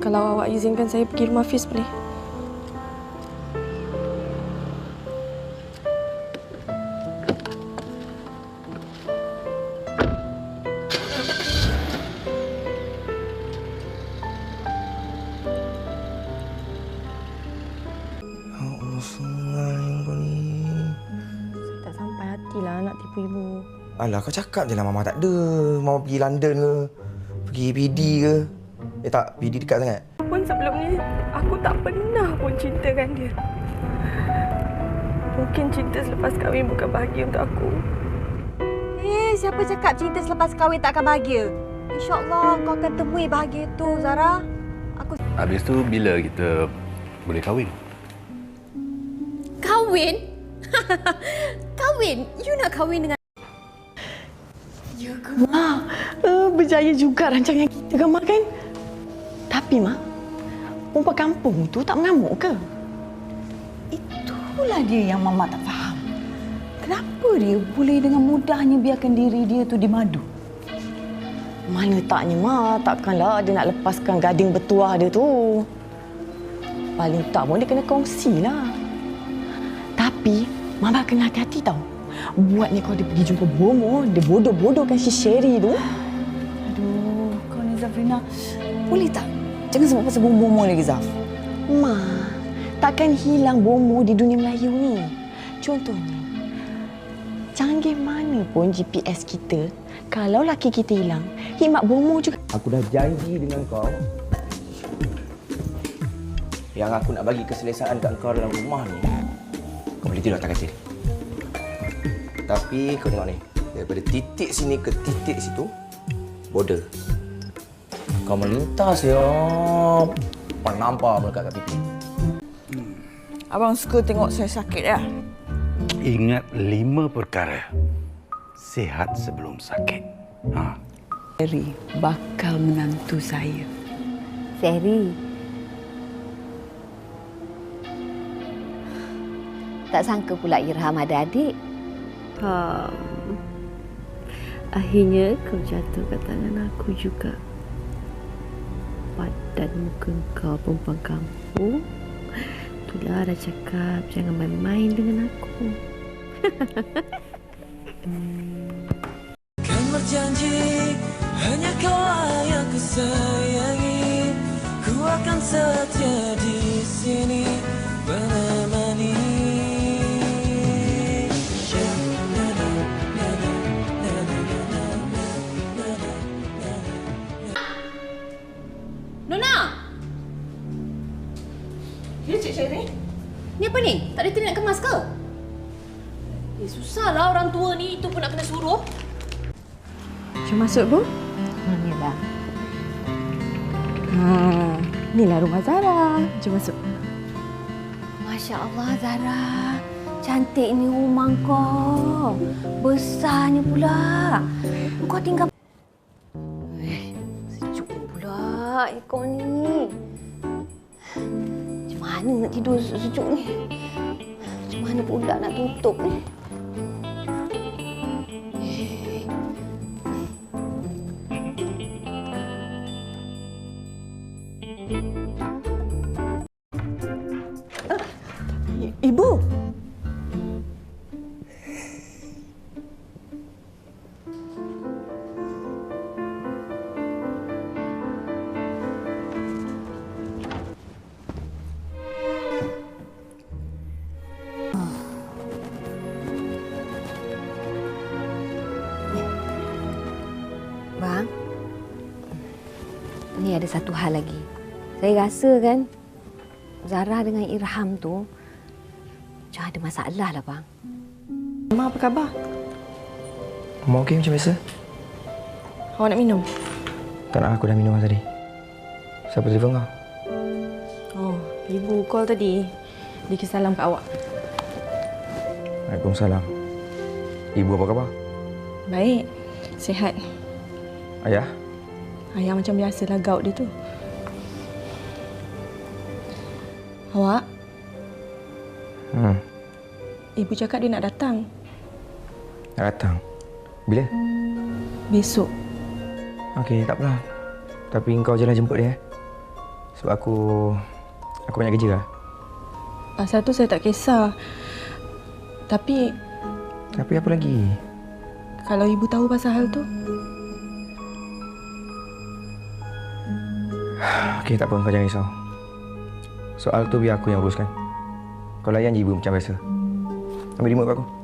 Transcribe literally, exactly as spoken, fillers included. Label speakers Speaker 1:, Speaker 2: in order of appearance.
Speaker 1: Kalau awak izinkan saya pergi rumah Fiz boleh? Tak sampai hatilah nak tipu ibu.
Speaker 2: Alah, kau cakap je lah Mama tak ada. Mama pergi London ke? Pergi P D ke? Eh tak, P D dekat sangat.
Speaker 1: Pun sebelum ni, aku tak pernah pun cintakan dia. Mungkin cinta selepas kahwin bukan bahagia untuk aku.
Speaker 3: Eh, siapa cakap cinta selepas kahwin tak akan bahagia? InsyaAllah kau akan temui bahagia tu, Zara. Aku...
Speaker 4: Habis tu bila kita boleh kahwin?
Speaker 5: Kahwin? Kahwin? You nak kahwin dengan...
Speaker 1: Ya ke, Ma? Uh, berjaya juga rancangan kita kan, Ma, kan? Tapi, Ma, perempuan kampung tu tak mengamuk ke?
Speaker 6: Itulah dia yang Mama tak faham. Kenapa dia boleh dengan mudahnya biarkan diri dia tu dimadu?
Speaker 1: Mana taknya, Ma. Takkanlah dia nak lepaskan gading bertuah dia tu. Paling tak pun dia kena kongsilah. Tapi, Mama kena hati-hati tau. Buatnya kau dia pergi jumpa Bomo, dia bodoh-bodohkan si Sherry tu.
Speaker 6: Aduh, kau ni Zafrina. Boleh tak? Jangan sebut pasal Bomo lagi, Zaf.
Speaker 1: Ma, takkan hilang Bomo di dunia Melayu ni. Contohnya, canggih mana pun G P S kita, kalau laki kita hilang, hikmat Bomo juga.
Speaker 2: Aku dah janji dengan kau yang aku nak bagi keselesaan kat kau dalam rumah ni. Kau boleh tidur atas katil. Tapi kau tengok ni, daripada titik sini ke titik situ, border. Kau melintas ya, penampar melekat kat pipi.
Speaker 6: Hmm. Abang suka tengok saya sakit ya?
Speaker 4: Ingat lima perkara. Sihat sebelum sakit. Ha.
Speaker 6: Sherry bakal menantu saya.
Speaker 3: Sherry. Tak sangka pula Irham ada adik.
Speaker 5: Um, akhirnya kau jatuh kat tangan aku juga. Padan muka kau perempuan kampung. Itulah dah cakap jangan main-main dengan aku.
Speaker 7: Kan berjanji hanya kau yang ku sayangi. Ku akan setia di sini menemani.
Speaker 5: Nona!
Speaker 1: Ya, Cik Sherry?
Speaker 5: Ni apa ni? Tak ada teri nak kemas ke? Eh, susahlah orang tua ni. Itu pun nak kena suruh.
Speaker 1: Jom masuk, Bu.
Speaker 3: Hmm, inilah.
Speaker 1: Ha, inilah rumah Zara. Jom masuk.
Speaker 3: Masya Allah, Zara. Cantik ni rumah kau. Besarnya pula. Kau tinggal... Eh, sejuk pula kau ni. Macam mana nak tidur sejuk ni? Macam mana pula nak tutup ni?
Speaker 1: Ibu.
Speaker 3: Bang, ni ada satu hal lagi. Saya rasa kan Zara dengan Irham tu macam ada masalah lah, bang.
Speaker 1: Mama, apa khabar?
Speaker 2: Mama okey macam biasa?
Speaker 1: Awak nak minum?
Speaker 2: Tak nak, aku dah minum tadi. Siapa telefon kau?
Speaker 1: Oh, ibu call tadi. Dia kisah salam kat awak.
Speaker 2: Waalaikumsalam. Ibu apa khabar?
Speaker 1: Baik. Sihat.
Speaker 2: Ayah?
Speaker 1: Ayah macam biasalah gout dia tu. Awak?
Speaker 2: Hmm.
Speaker 1: Ibu cakap dia nak datang.
Speaker 2: Nak datang? Bila?
Speaker 1: Besok.
Speaker 2: Okey, tak apalah. Tapi engkau je lah jemput dia. Sebab aku... Aku banyak kerja lah.
Speaker 8: Pasal tu saya tak kisah. Tapi
Speaker 2: Tapi apa lagi?
Speaker 8: kalau ibu tahu pasal hal tu,
Speaker 2: Okey, tak apa. Kau jangan risau. Soal tu biar aku yang uruskan. Kau layan je ibu macam biasa. Ambil remote kat aku.